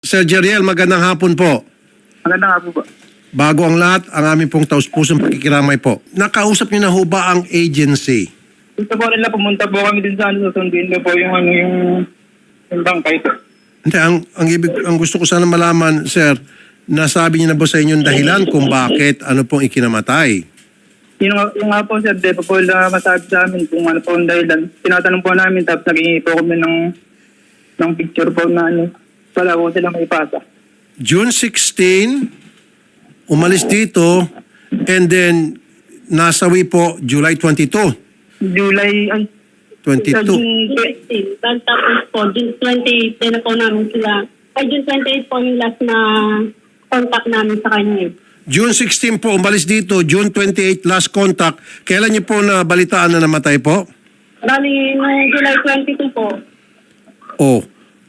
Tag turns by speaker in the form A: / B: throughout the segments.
A: Sir Jeriel, magandang hapon po.
B: Maganda nga po ba?
A: Bago ang lahat, ang aming pong taus-pusong pakikiramay po. Nakausap niyo na ho ba ang agency?
B: Gusto po rin lang pumunta po kami din sa susunduin na po yung bangkay po.
A: Hindi, ang gusto ko sana malaman, sir, nasabi niyo na ba sa inyong dahilan kung bakit ano pong ikinamatay?
B: Yung nga po sir, di pa po na masabi sa amin kung ano po ang dahilan. Tinatanong po namin tapos naging po kami ng picture po na wala po silang maipasa.
A: June 16, umalis dito, and then nasawi po July 22.
B: July, ay,
A: 22.
C: June 16. Tapos po, June 28 din na po namin sila. Ay, June 28 po yung last na contact namin sa kanya.
A: June 16 po, umalis dito. June 28, last contact. Kailan niyo po nabalitaan na namatay po?
C: Bali, no July 22 po.
A: Oh.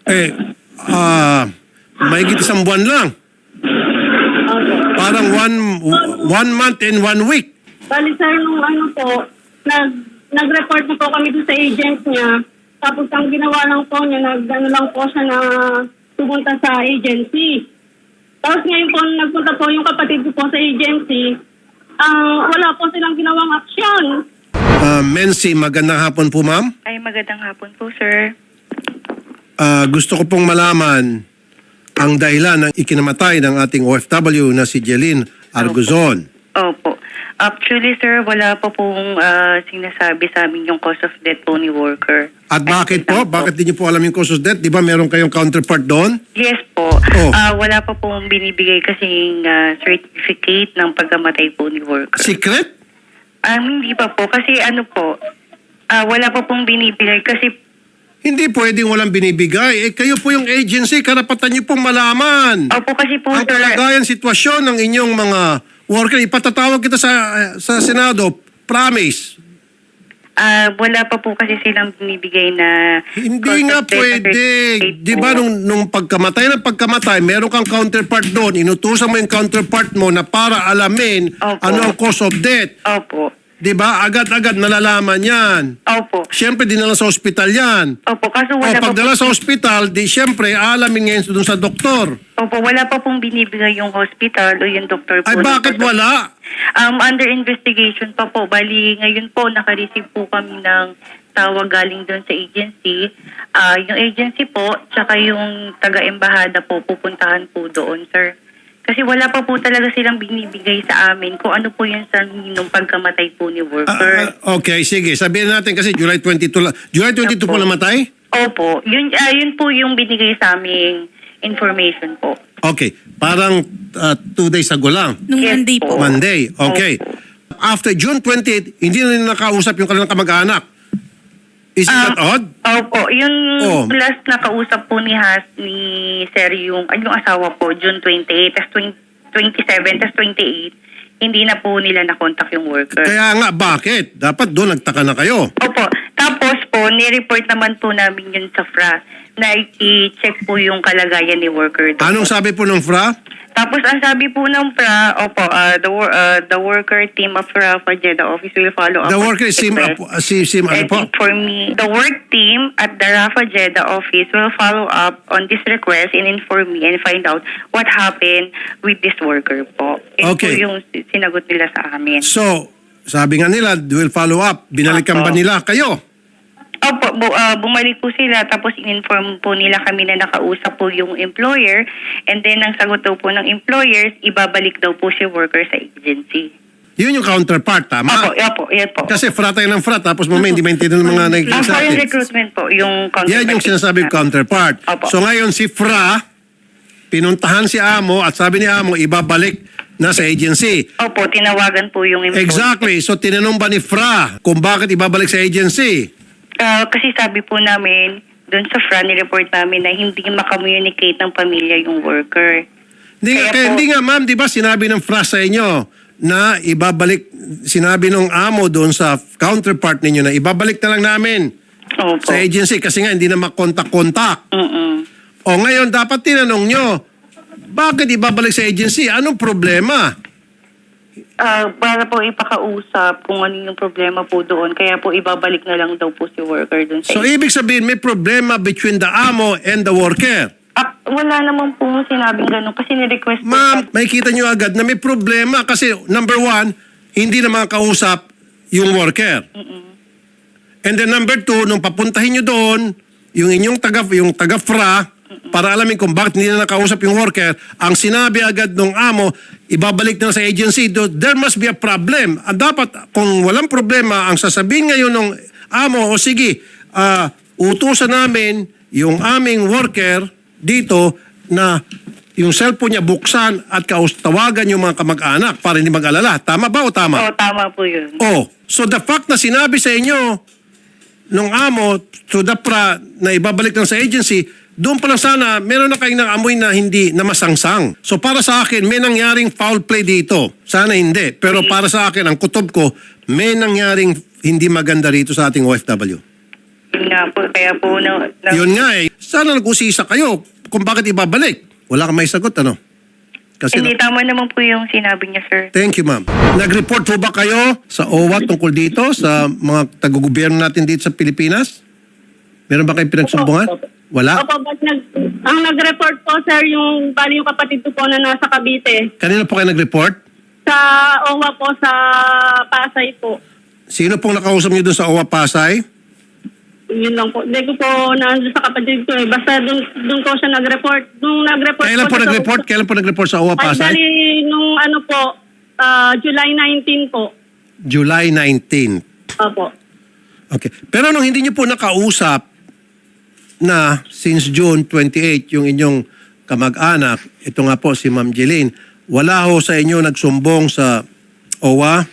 A: Mahigit isang buwan lang.
C: Okay.
A: Parang one month and 1 week.
C: Bali, sir, nung ano po, nag-report na po kami doon sa agent niya. Tapos ang ginawa lang po niya, nag-ano lang po siya na pumunta sa agency. Tapos ngayon po, nagpunta po yung kapatid ko po sa agency. Wala po silang ginawang aksyon.
A: Mency, magandang hapon po, ma'am.
D: Ay, magandang hapon po, sir.
A: Gusto ko pong malaman ang dahilan ng ikinamatay ng ating OFW na si Jeline Arguzon.
D: Opo. Actually, sir, wala pa pong sinasabi sa amin yung cause of death po ni worker.
A: At bakit po? Bakit di niyo po alam yung cause of death? Di ba meron kayong counterpart doon?
D: Yes po.
A: Oh.
D: Wala pa pong binibigay kasing certificate ng pagkamatay po ni worker.
A: Secret?
D: Hindi pa po. Kasi ano po, wala pa pong binibigay kasi
A: Hindi pwedeng walang binibigay. Kayo po yung agency, karapatan niyo pong malaman.
D: opo kasi po,
A: Ang
D: sir.
A: kalagayan sitwasyon ng inyong mga worker, ipatatawag kita sa Senado. Promise.
D: Wala pa po kasi silang binibigay na
A: Hindi
D: cause
A: nga
D: of death
A: pwede.
D: certificate
A: Di
D: po.
A: ba nung pagkamatay, meron kang counterpart doon, inutusan mo yung counterpart mo na para alamin
D: Opo.
A: ano ang cause of death.
D: Opo.
A: Di ba? Agad-agad nalalaman yan.
D: Opo.
A: Siyempre, dinala sa ospital yan.
D: Opo, kaso
A: O
D: wala pa
A: pagdala
D: po.
A: sa ospital, di siyempre, alamin ngayon doon sa doktor.
D: Opo, wala pa pong binibigay yung hospital o yung doktor po.
A: Ay, bakit wala?
D: Under investigation pa po. Bali, ngayon po, naka-receive po kami ng tawag galing doon sa agency. Yung agency po, tsaka yung taga-embahada po, pupuntahan po doon, sir. Kasi wala pa po talaga silang binibigay sa amin kung ano po yung sanhi nung pagkamatay po ni worker.
A: Okay, sige. Sabihin natin kasi July 22 lang. July 22 po
D: Opo.
A: namatay?
D: Opo, yun po yung binigay sa aming information po.
A: Okay. Parang 2 days ago lang.
E: Nung
D: Yes
E: Monday
D: po.
E: po.
A: Monday. Okay.
D: Opo.
A: After June 28, hindi na nila nakausap yung kanilang kamag-anak. Is that odd?
D: Opo, yung
A: Oh.
D: last na kausap po ni Sir yung asawa po, June 28, tas 27, tas 28, hindi na po nila nakontak yung worker.
A: Kaya nga, bakit? Dapat doon nagtaka na kayo.
D: Opo, tapos po, ni-report naman po namin yun sa FRA na i-check po yung kalagayan ni worker doon.
A: Anong sabi po ng FRA?
D: Tapos ang sabi po ng FRA, opo, the worker team of FRA Jeddah office will follow up.
A: The
D: on
A: worker
D: this
A: sim,
D: request.
A: ano po?
D: And for me, the work team at the Rafa Jeddah office will follow up on this request and inform me and find out what happened with this worker po. Ito
A: Okay.
D: po yung sinagot nila sa amin.
A: So, sabi nga nila, will follow up. Binalikan
D: Opo.
A: ba nila kayo?
D: Opo, bumalik po sila tapos in-inform po nila kami na nakausap po yung employer and then ang sagot daw po ng employers, ibabalik daw po si worker sa agency.
A: Yun yung counterpart, tama?
D: Opo, yan po.
A: Kasi FRA tayo ng FRA, tapos mamaya hindi maintindihan ng mga nakikinig
D: Ang
A: sa
D: foreign
A: atin.
D: recruitment po, yung
A: Yan yung sinasabi counterpart.
D: Opo.
A: So ngayon si FRA, pinuntahan si Amo at sabi ni Amo, ibabalik na sa agency.
D: Opo, tinawagan po yung employer.
A: Exactly. So tinanong ba ni FRA kung bakit ibabalik sa agency?
D: Kasi sabi po namin, doon sa FRA, nireport namin na hindi makakommunicate ng pamilya yung worker.
A: Hindi nga ma'am, di ba sinabi ng FRA sa inyo na ibabalik, sinabi ng Amo doon sa counterpart ninyo na ibabalik na lang namin
D: Opo.
A: sa agency kasi nga hindi na makontak-kontak. O ngayon dapat tinanong nyo, bakit ibabalik sa agency? Anong problema?
D: Para po ipakausap kung ano yung problema po doon. Kaya po ibabalik na lang daw po si worker doon sa
A: So ibig sabihin may problema between the Amo and the worker.
D: Wala naman po sinabing gano'n kasi ni-request po.
A: Ma'am, makikita nyo agad na may problema kasi number one, hindi na makakausap yung worker. And then number two, nung papuntahin nyo doon, yung inyong taga-FRA, para alamin kung bakit hindi na nakausap yung worker, ang sinabi agad ng amo, ibabalik na sa agency, there must be a problem. At dapat, kung walang problema, ang sasabihin ngayon ng amo, o sige, utusan namin yung aming worker dito na yung cellphone niya buksan at tawagan yung mga kamag-anak para hindi mag-alala. Tama ba o tama?
D: Oo, tama po yun.
A: Oh, so the fact na sinabi sa inyo nung amo to the FRA na ibabalik lang sa agency, doon pa lang sana meron na kayong amoy na hindi na masangsang. So para sa akin, may nangyaring foul play dito. Sana hindi. Pero para sa akin, ang kutob ko, may nangyaring hindi maganda rito sa ating OFW.
D: Yun nga po, kaya po
A: Yun nga eh. Sana nag-usisa kayo kung bakit ibabalik. Wala kang may sagot, ano? Kasi
D: hindi tama naman po yung sinabi niya, sir.
A: Thank you, ma'am. Nag-report po ba kayo sa OWA tungkol dito sa mga taga-gobyerno natin dito sa Pilipinas? Meron ba kayong pinagsumbungan? Wala?
C: Opo, but ang nag-report po, sir, yung bali yung kapatid ko po na nasa Cavite.
A: Kanina po kayo nag-report?
C: Sa OWA po, sa Pasay po.
A: Sino pong nakausap niyo doon sa OWA Pasay?
C: Yun lang po. Hindi ko po nandun sa kapatid ko eh. Basta doon ko siya nag-report. Nung nag-report
A: Kailan po nag-report? Kailan po nag-report sa OWA
C: Ay,
A: Pasay?
C: bali, nung ano po, July 19 po.
A: July 19.
C: Opo.
A: Okay. Pero nung hindi niyo po nakausap na since June 28 yung inyong kamag-anak, ito nga po si Ma'am Jeline, wala ho sa inyo nagsumbong sa OWA?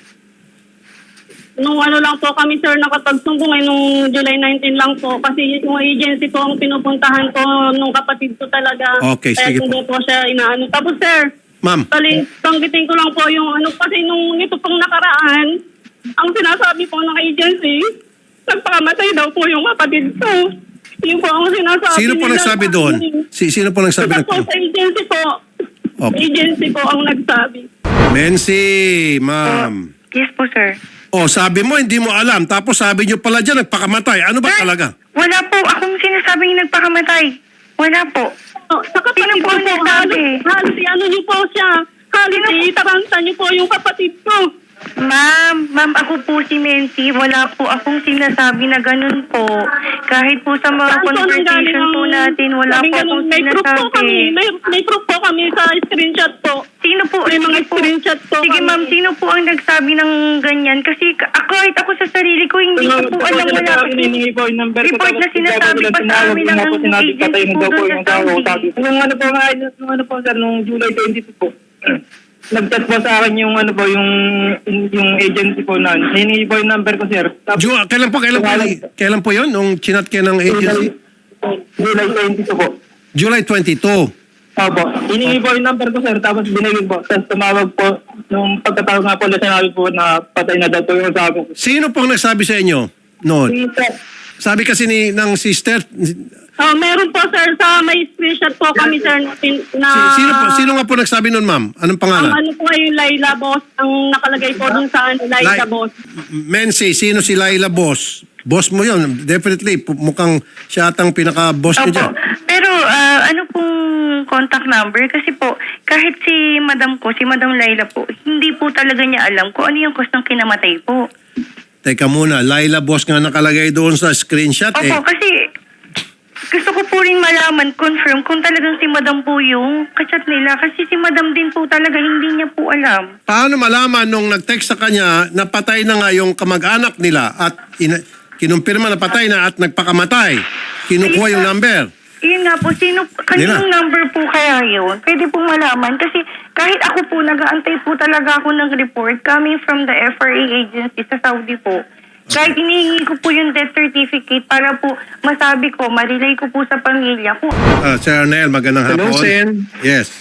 C: Nung ano lang po kami, sir, nakapagsumbong ay nung July 19 lang po. Kasi yung agency po ang pinupuntahan ko nung kapatid ko talaga.
A: Okay,
C: Kaya
A: sige
C: hindi po siya inaano. Tapos, sir,
A: Ma'am,
C: tanggitin ko lang po yung ano, kasi nung ito pong nakaraan, ang sinasabi po ng agency, nagpakamatay daw po yung kapatid ko. Yun po ang sinasabi
A: sino po
C: nila.
A: nagsabi doon? Sino po nagsabi?
C: Basta po sa agency po.
A: Okay.
C: Agency po ang nagsabi.
A: Mensi, ma'am.
D: Yes po, sir.
A: O, sabi mo, hindi mo alam. Tapos sabi niyo pala dyan, nagpakamatay. Ano ba
D: Sir,
A: talaga?
D: Wala po akong sinasabing nagpakamatay. Wala po.
C: Oh, sa kapatid
D: Sino po
C: ko
D: ang
C: po,
D: nagsabi?
C: halos ano niyo po siya. Halos itaranta niyo po yung kapatid ko.
D: Ma'am, ako po si Mency. Wala po akong sinasabi na ganun po. Kahit po sa mga
C: Saan po nanggaling
D: conversation
C: ang-
D: po natin, wala
C: sabi
D: po
C: ganun,
D: akong
C: may proof po kami.
D: sinasabi.
C: May proof po kami sa screenshot po.
D: Sino po?
C: May mga
D: Sige po.
C: screenshot po
D: Sige
C: kami.
D: ma'am, sino po ang nagsabi ng ganyan? Kasi kahit ako sa sarili ko, hindi ko po alam, wala po.
B: Hinihingi po yung number ko.
D: Report na
B: tapos
D: sinasabi
B: bigla
D: pa
B: ko
D: sa
B: lang
D: amin
B: tinawag,
D: ng
B: po sinabi,
D: agency
B: patay na
D: po
B: daw po
D: doon
B: yung
D: sa
B: tao.
D: Saudi.
B: Nung ano po nga, nung ano po sir, nung July 22 po. Nag-chat po sa akin yung ano po, yung agency po na. Hinihingi po yung number ko sir. Tapos,
A: Kailan po yun? Nung chinat kayo ng agency?
B: July 22 po.
A: July 22.
B: Opo. Hiningi po yung number ko sir, tapos binigay po. Tapos tumawag po. Nung pagkatawag nga po, sinabi po na patay na daw po yung sabi ko.
A: Sino pong nagsabi sa inyo noon?
B: Sir,
A: Sabi kasi ng sister,
C: Oh, meron po sir, sa may screenshot po kami sir na
A: sino nga po nagsabi noon, ma'am? Anong
C: ang
A: pangalan?
C: ano po ay Laila Boss, ang nakalagay po dun sa Laila Boss.
A: Mensi, sino si Laila Boss? Boss mo yun. Definitely, mukhang siya atang pinaka-boss niyo dyan.
D: Opo. Pero ano pong contact number? Kasi po, kahit si Madam ko, si Madam Laila po, hindi po talaga niya alam kung ano yung cause ng kinamatay po.
A: Teka muna, Laila Boss nga nakalagay doon sa screenshot eh.
D: Opo, kasi gusto ko po rin malaman, confirm, kung talagang si Madam po yung kachat nila. Kasi si Madam din po talaga, hindi niya po alam.
A: Paano malaman nung nag-text sa kanya na patay na nga yung kamag-anak nila at kinumpirma na patay na at nagpakamatay? Kinukuha yung number.
D: Yun nga po, kaninong number po kaya yun? Pwede pong malaman. Kasi kahit ako po, nag-aantay po talaga ako ng report coming from the FRA agency sa Saudi po. Kahit hinihingi ko po yung death certificate para po masabi ko, marilay ko po sa pamilya ko.
A: Sir Arnel, magandang
E: Hello,
A: hapon.
E: Sen.
A: Yes.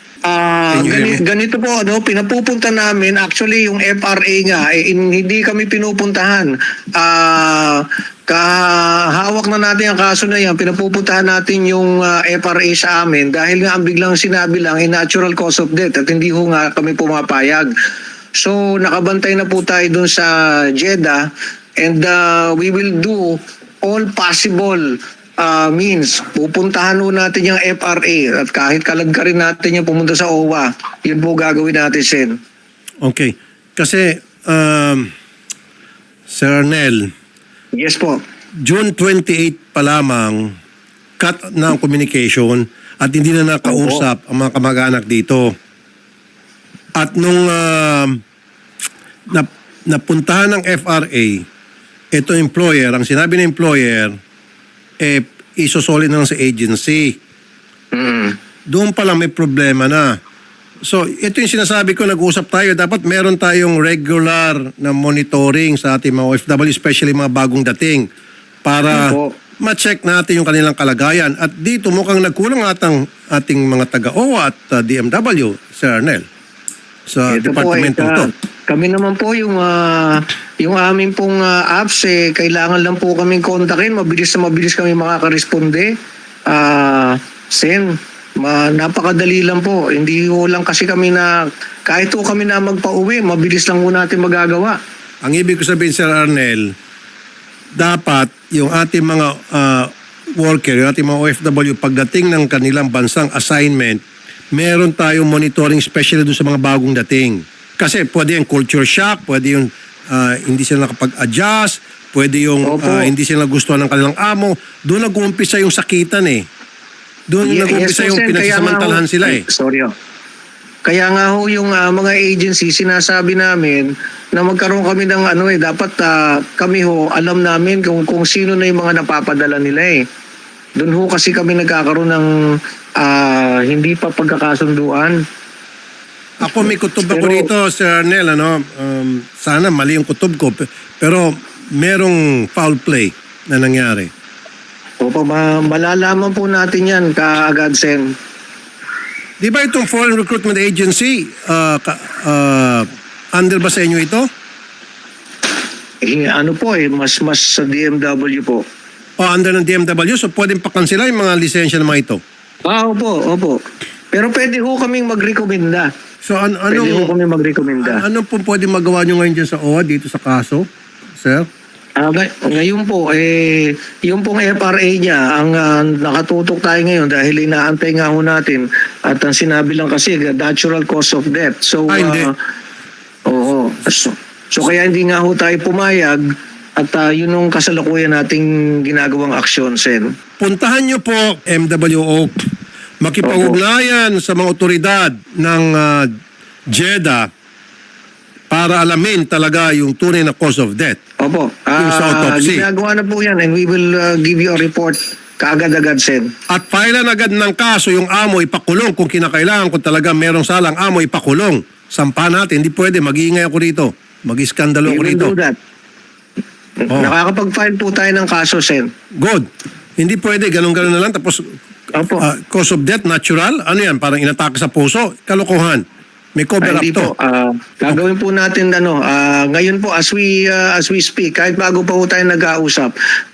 A: Can you hear me?
E: Ganito po, pinapupunta namin, actually yung FRA nga, hindi kami pinupuntahan. Kahawak na natin ang kaso na yan, pinapupuntahan natin yung FRA sa amin dahil nga ang biglang sinabi lang, natural cause of death at hindi ho nga kami pumapayag. So, nakabantay na po tayo dun sa Jeddah and we will do all possible means, pupuntahan ho natin yung FRA at kahit kalagkarin natin yung pumunta sa OWA, yun po gagawin natin, Sen.
A: Okay. Kasi, Sir Arnel,
E: Yes po.
A: June 28 pa lamang, cut na ang communication at hindi na nakausap ang mga kamag-anak dito. At nung napuntahan ng FRA, ito employer, ang sinabi ng employer, isosoli na lang sa agency.
E: Mm.
A: Doon pa lang may problema na. So, ito yung sinasabi ko, nag-uusap tayo. Dapat meron tayong regular na monitoring sa ating mga OFW, especially mga bagong dating, para
E: Opo.
A: ma-check natin yung kanilang kalagayan. At dito mukhang nagkulang ating mga taga-OWA at DMW, Sir Arnel, sa
E: Ito po,
A: departamentong to.
E: kami naman po yung aming pong apps, kailangan lang po kaming kontakin. Mabilis na mabilis kami makakaresponde. Sen, napakadali lang po. Hindi ho lang kasi kami kahit ho kami na magpa-uwi, mabilis lang ho natin magagawa.
A: Ang ibig ko sabihin, Sir Arnel, dapat yung ating mga worker, yung ating mga OFW, pagdating ng kanilang bansang assignment, meron tayong monitoring especially doon sa mga bagong dating. Kasi pwede yung culture shock, pwede yung hindi sila nakapag-adjust, pwede yung
E: Opo.
A: hindi sila gustuhan ng kanilang amo. Doon nag-uumpisa yung sakitan eh. Doon nag-uumpisa yung
E: Sen,
A: pinagsasamantalahan sila eh.
E: Sorry ho. Kaya nga ho yung mga agency, sinasabi namin na magkaroon kami ng dapat kami ho, alam namin kung sino na yung mga napapadala nila eh. Doon ho kasi kami nagkakaroon ng hindi pa pagkakasunduan.
A: Ako may kutob ako
E: Pero-
A: rito, Sir Arnel, sana mali yung kutob ko, pero merong foul play na nangyari.
E: Opo, malalaman po natin yan kaagad, Sen.
A: Di ba itong Foreign Recruitment Agency, under ba sa inyo ito?
E: Mas sa DMW po.
A: O under ng DMW, so pwedeng pakansila yung mga lisensya ng mga ito.
E: Opo. Pero pwede ho kaming magrekomenda.
A: So
E: Pwede ho kaming magrekomenda.
A: ano po pwede magawa nyo ngayon dyan sa OWA dito sa kaso, sir?
E: Ngayon po, yung pong FRA niya, ang nakatutok tayo ngayon dahil inaantay nga ho natin at ang sinabi lang kasi, natural cause of death. So,
A: Hindi.
E: Oo. So, kaya hindi nga ho tayo pumayag at yun yung kasalukuyan nating ginagawang aksyon, Sen.
A: Puntahan nyo po, MWO, makipag-ugnayan sa mga otoridad ng JEDA para alamin talaga yung tunay na cause of death.
E: Opo.
A: Yung sa autopsy.
E: Ginagawa na po yan and we will give you a report kaagad-agad, Sen.
A: At filean agad ng kaso yung amo ipakulong kung kinakailangan, kung talaga merong salang amo ipakulong. Sampa natin, hindi pwede, mag-iingay ako rito. Mag-iskandalo
E: We
A: ako
E: will
A: rito.
E: do that.
A: Oh.
E: Nakakapag-file po tayo ng kaso, Sen.
A: Good. Hindi pwede, ganun-ganun na lang. Tapos,
E: Opo.
A: cause of death, natural. Ano yan? Parang inatake sa puso. Kalokohan. May cover up
E: Hindi
A: to.
E: po. Gagawin po natin ngayon po as we speak, kahit bago pa po tayo nag-ausap,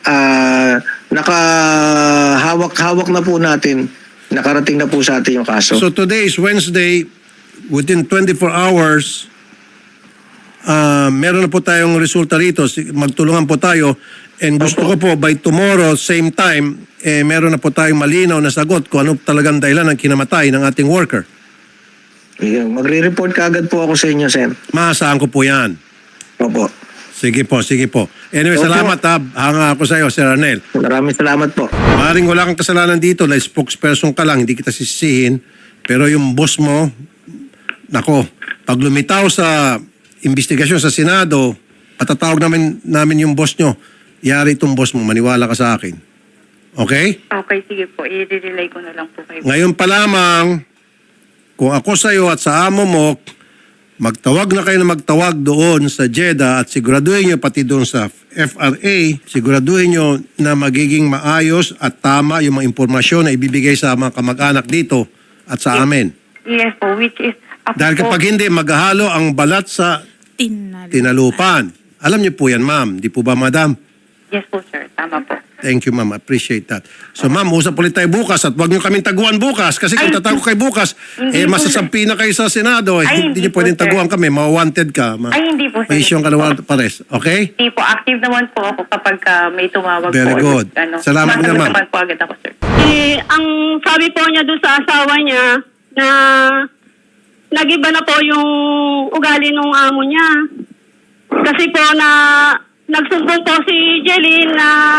E: nakahawak na po natin, nakarating na po sa atin yung kaso.
A: So today is Wednesday. Within 24 hours, meron na po tayong resulta rito. Magtulungan po tayo. And gusto ko po by tomorrow, same time, meron na po tayong malinaw na sagot kung ano talagang dahilan ng kinamatay ng ating worker.
E: Magre-report kaagad po ako sa inyo, Sen.
A: Maasahan ko po yan.
E: Opo.
A: Sige po, sige po. Anyway,
E: Opo.
A: salamat ha. Hanga ako sa iyo, Sir Arnel.
E: Maraming salamat po.
A: Maring wala kang kasalanan dito, na spokesperson ka lang, hindi kita sisisihin. Pero yung boss mo, nako, pag lumitaw sa investigasyon sa Senado, patatawag namin yung boss nyo. Yari itong boss mo, maniwala ka sa akin. Okay?
D: Okay, sige po. I-relay ko na lang po kayo.
A: Ngayon pa lamang, kung ako sa iyo at sa amo mo, magtawag na kayo na magtawag doon sa JEDA at siguraduhin nyo pati doon sa FRA, siguraduhin nyo na magiging maayos at tama yung mga impormasyon na ibibigay sa mga kamag-anak dito at sa amin.
D: Yes po, which is... Ako
A: Dahil
D: po,
A: kapag hindi, maghahalo ang balat sa tinalupan. Alam niyo po yan, ma'am. Di po ba, madam?
D: Yes po, sir. Tama po.
A: Thank you, ma'am. Appreciate that. So, ma'am, usap ulit tayo bukas at huwag niyo kaming taguan bukas kasi kung
D: Ay,
A: tatago kayo bukas,
D: hindi po,
A: masasampi na kayo sa Senado.
D: Ay,
A: Hindi niyo
D: hindi po,
A: pwedeng
D: sir.
A: taguan kami. Ma-wanted ka.
D: Ay, hindi po, sir.
A: May isyong ka na warrant of arrest. Okay?
D: Hindi po, active naman po ako kapag may tumawag
A: Very
D: po.
A: good. Salamat
D: sumasagot
A: naman.
D: naman po agad ako, sir.
C: Ang sabi po niya doon sa asawa niya na nag-iba na po yung ugali ng amo niya. Kasi po na nagsumbong po si Jeline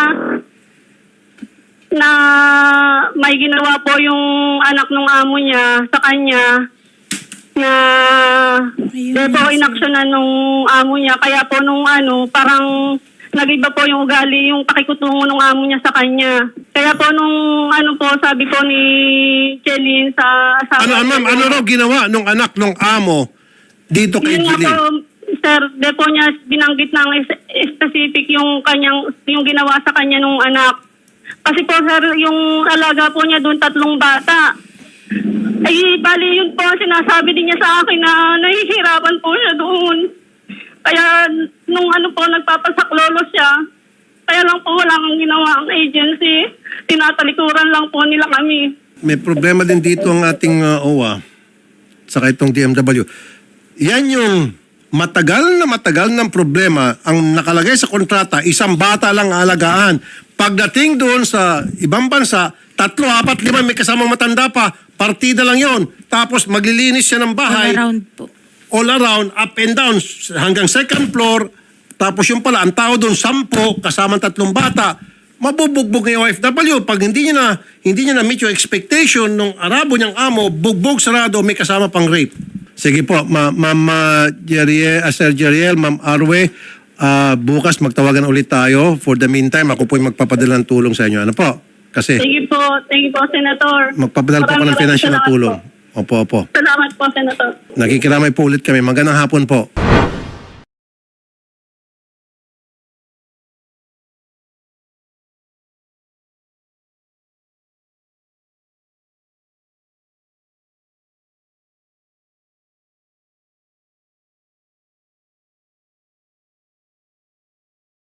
C: na may ginawa po yung anak ng amo niya sa kanya na di po inaksyonan nung amo niya. Kaya po nung parang nag-iba po yung ugali, yung pakikutungo ng amo niya sa kanya. Kaya po nung po, sabi po ni Jeline sa asawa
A: Ma'am, ano raw ginawa nung anak nung amo dito kay
C: yun nga
A: Jeline?
C: po, sir, di po niya binanggit ng specific yung ginawa sa kanya nung anak. Kasi po, sir, yung alaga po niya doon 3 bata. Ay, bali yun po, sinasabi din niya sa akin na nahihirapan po siya doon. Kaya nung nagpapasaklolo siya, kaya lang po wala kang ginawa ang agency. Tinatalikuran lang po nila kami.
A: May problema din dito ang ating OWA saka itong DMW. Yan yung matagal ng problema. Ang nakalagay sa kontrata, 1 bata lang alagaan. Pagdating doon sa ibang bansa, 3, 4, 5 may kasamang matanda pa, partida lang yon. Tapos maglilinis siya ng bahay.
F: Around po.
A: All around, up and down, hanggang 2nd floor. Tapos yung pala, ang tao doon, 10, kasama 3 bata. Mabubugbog ng OFW. Pag hindi niya na meet yung expectation ng Arabo niyang amo, bugbog sarado, may kasama pang rape. Sige po, Ma'am Sir Jeriel, Ma'am Arwe, bukas magtawagan ulit tayo. For the meantime, ako po yung magpapadala ng tulong sa inyo. Ano po? Kasi
C: Thank you po, Senator.
A: magpapadala po ako ng
C: Maraming
A: financial na
C: salamat
A: tulong.
C: po.
A: Opo.
C: Salamat po, Senator.
A: Nakikiramay po ulit kami. Magandang hapon po.